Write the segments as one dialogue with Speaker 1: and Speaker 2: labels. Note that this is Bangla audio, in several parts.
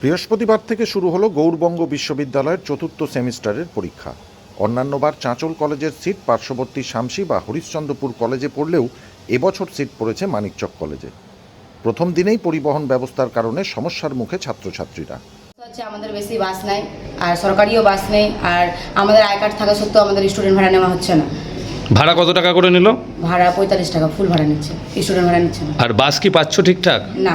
Speaker 1: বৃহস্পতিবার থেকে শুরু হলো গৌড়বঙ্গ বিশ্ববিদ্যালয়ের চতুর্থ সেমিস্টারের পরীক্ষা। অন্যান্যবার চাঁচল কলেজের সিট পার্শ্ববর্তী শামসি বা হরিশ্চন্দ্রপুর কলেজে পড়লেও এবছর সিট পড়েছে মানিকচক কলেজে। প্রথম দিনেই পরিবহন ব্যবস্থার কারণে সমস্যার মুখে ছাত্রছাত্রীরা।
Speaker 2: আমাদের বেশি বাস নাই, আর সরকারিও বাস নেই, আর আমাদের আই কার্ড থাকা সত্ত্বেও আমাদের স্টুডেন্ট ভাড়া নেওয়া হচ্ছে না।
Speaker 3: ভাড়া কত টাকা করে নিল?
Speaker 2: ভাড়া 45 টাকা ফুল ভাড়া নিচ্ছে, স্টুডেন্ট ভাড়া নিচ্ছে না।
Speaker 3: আর বাস কি পাচ্ছ ঠিকঠাক?
Speaker 2: না।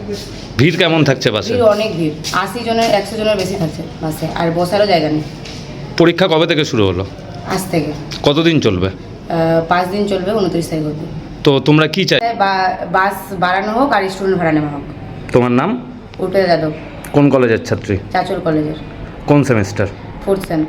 Speaker 3: ভিড় কেমন থাকছে বাসে?
Speaker 2: ভিড় অনেক ভিড়, 80 জনের 100 জনের বেশি থাকছে বাসে, আর বসারও জায়গা নেই।
Speaker 3: পরীক্ষা কবে থেকে শুরু হলো?
Speaker 2: আজ থেকে।
Speaker 3: কতদিন চলবে?
Speaker 2: 5 দিন চলবে, 29 তারিখ অবধি।
Speaker 3: তো তোমরা কি চাই?
Speaker 2: বাস বাড়ানো হোক আর স্টুডেন্ট ভাড়া নেওয়া হোক।
Speaker 3: তোমার নাম?
Speaker 2: উর্পিতা যাদব।
Speaker 3: কোন কলেজের ছাত্রী?
Speaker 2: চাঁচল কলেজের।
Speaker 3: কোন সেমিস্টার?
Speaker 2: 4th same.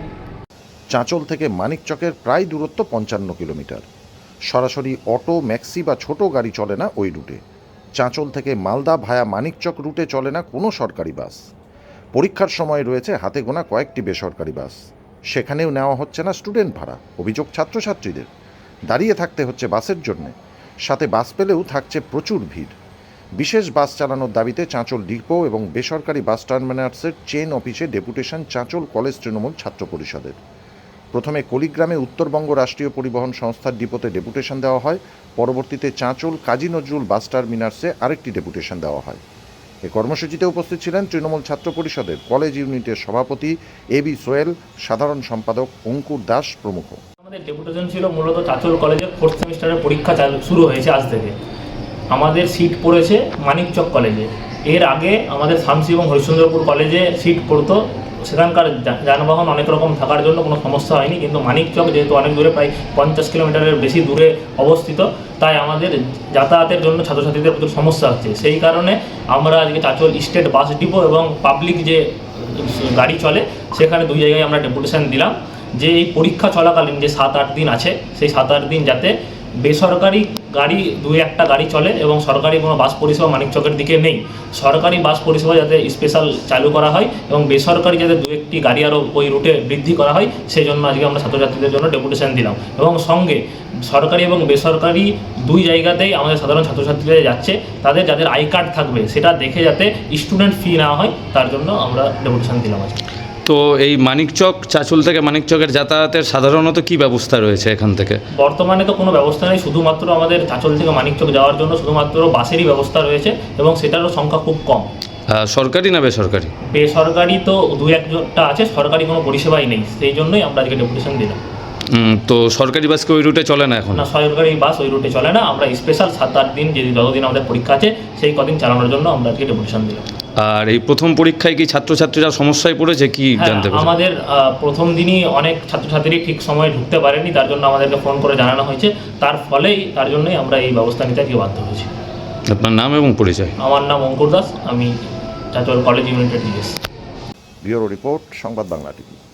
Speaker 1: চাঁচল থেকে মানিকচকের প্রায় দূরত্ব 55 কিলোমিটার। সরাসরি অটো, ম্যাক্সি বা ছোট গাড়ি চলে না ওই রুটে। চাঁচল থেকে মালদা ভায়া মানিকচক রুটে চলে না কোনো সরকারি বাস। পরীক্ষার সময় রয়েছে হাতে গোনা কয়েকটি বেসরকারি বাস, সেখানেও নেওয়া হচ্ছে না স্টুডেন্ট ভাড়া। অভিযোগ ছাত্রছাত্রীদের, দাঁড়িয়ে থাকতে হচ্ছে বাসের জন্যে, সাথে বাস পেলেও থাকছে প্রচুর ভিড়। বিশেষ বাস চালানোর দাবিতে চাঁচল ডিপো এবং বেসরকারি বাস টার্মিনালসের চেন অফিসে ডেপুটেশন চাঁচল কলেজ তৃণমূল ছাত্র পরিষদের। প্রথমে কলিগ্রামে উত্তরবঙ্গ রাষ্ট্রীয় পরিবহন সংস্থার ডিপোতে ডেপুটেশন দেওয়া হয়, পরবর্তীতে চাঁচল কাজী নজরুল বাস টার্মিনালসে আরেকটি ডেপুটেশন দেওয়া হয়। এ কর্মসূচিতে উপস্থিত ছিলেন তৃণমূল ছাত্র পরিষদের কলেজ ইউনিটের সভাপতি এবি সোয়েল, সাধারণ সম্পাদক অঙ্কুর দাস প্রমুখ।
Speaker 4: আমাদের ডেপুটেশন ছিল মূলত চাঁচল কলেজের 4th সেমিস্টারের পরীক্ষা শুরু হয়েছে আজ থেকে। আমাদের সিট পড়েছে মানিকচক কলেজে। এর আগে আমাদের শামসি এবং হরিশ্চন্দ্রপুর কলেজে সিট পড়তো, সেখানকার যানবাহন অনেক রকম থাকার জন্য কোনো সমস্যা হয়নি। কিন্তু মানিকচক যেহেতু অনেক দূরে, প্রায় 50 কিলোমিটারের বেশি দূরে অবস্থিত, তাই আমাদের যাতায়াতের জন্য ছাত্রছাত্রীদের প্রচুর সমস্যা হচ্ছে। সেই কারণে আমরা আজকে চাঁচল স্টেট বাস ডিপো এবং পাবলিক যে গাড়ি চলে সেখানে 2 জায়গায় আমরা ডেপুটেশন দিলাম যে এই পরীক্ষা চলাকালীন যে 7-8 দিন আছে, সেই 7-8 দিন যাতে বেসরকারি গাড়ি 2-1টা গাড়ি চলে এবং সরকারি কোনো বাস পরিষেবা মানিকচকের দিকে নেই। সরকারি বাস পরিষেবা যাতে স্পেশাল চালু করা হয় এবং বেসরকারি যাতে 2-1টি গাড়ি আরও ওই রুটে বৃদ্ধি করা হয়, সেই জন্য আজকে আমরা ছাত্রছাত্রীদের জন্য ডেপুটেশন দিলাম। এবং সঙ্গে সরকারি এবং বেসরকারি 2 জায়গাতেই আমাদের সাধারণ ছাত্রছাত্রীরা যাচ্ছে, তাদের যাদের আই কার্ড থাকবে সেটা দেখে যাতে স্টুডেন্ট ফি না হয়, তার জন্য আমরা ডেপুটেশন দিলাম আজকে।
Speaker 3: তো এই মানিকচক, চাঁচল থেকে মানিকচকের যাতায়াতের সাধারণত কি ব্যবস্থা রয়েছে এখান থেকে?
Speaker 4: বর্তমানে তো কোনো ব্যবস্থা নেই, শুধুমাত্র আমাদের চাঁচল থেকে মানিকচক যাওয়ার জন্য শুধুমাত্র বাসেরই ব্যবস্থা রয়েছে এবং সেটারও সংখ্যা খুব কম।
Speaker 3: সরকারি না বেসরকারি?
Speaker 4: বেসরকারি তো 2-1টা আছে, সরকারি কোনো পরিষেবাই নেই, সেই জন্যই আমরা আজকে ডেপুটেশন দিলাম।
Speaker 3: তো সরকারি বাস কি ওই রুটে চলে না এখন?
Speaker 4: না, সরকারি বাস ওই রুটে চলে না। আমরা স্পেশাল 7-8 দিন, যতদিন আমাদের পরীক্ষা আছে সেই কদিন চালানোর জন্য আমরা আজকে ডেপুটেশন দিলাম।
Speaker 3: আর এই প্রথম পরীক্ষায় কি ছাত্রছাত্রীরা সমস্যায় পড়েছে কি জানতে পারছেন?
Speaker 4: আমাদের প্রথম দিনই অনেক ছাত্রছাত্রী ঠিক সময়ে ঢুকতে পারেনি, তার জন্য আমাদেরকে ফোন করে জানানো হয়েছে। তার জন্যই আমরা এই ব্যবস্থা নিতে আজকে বাধ্য হয়েছি।
Speaker 3: আপনার নাম এবং পরিচয়?
Speaker 4: আমার নাম অঙ্কুর দাস, আমি চাঁচল কলেজ ইউনিটের DS.
Speaker 1: Bureau report, Sangbad Bangla TV.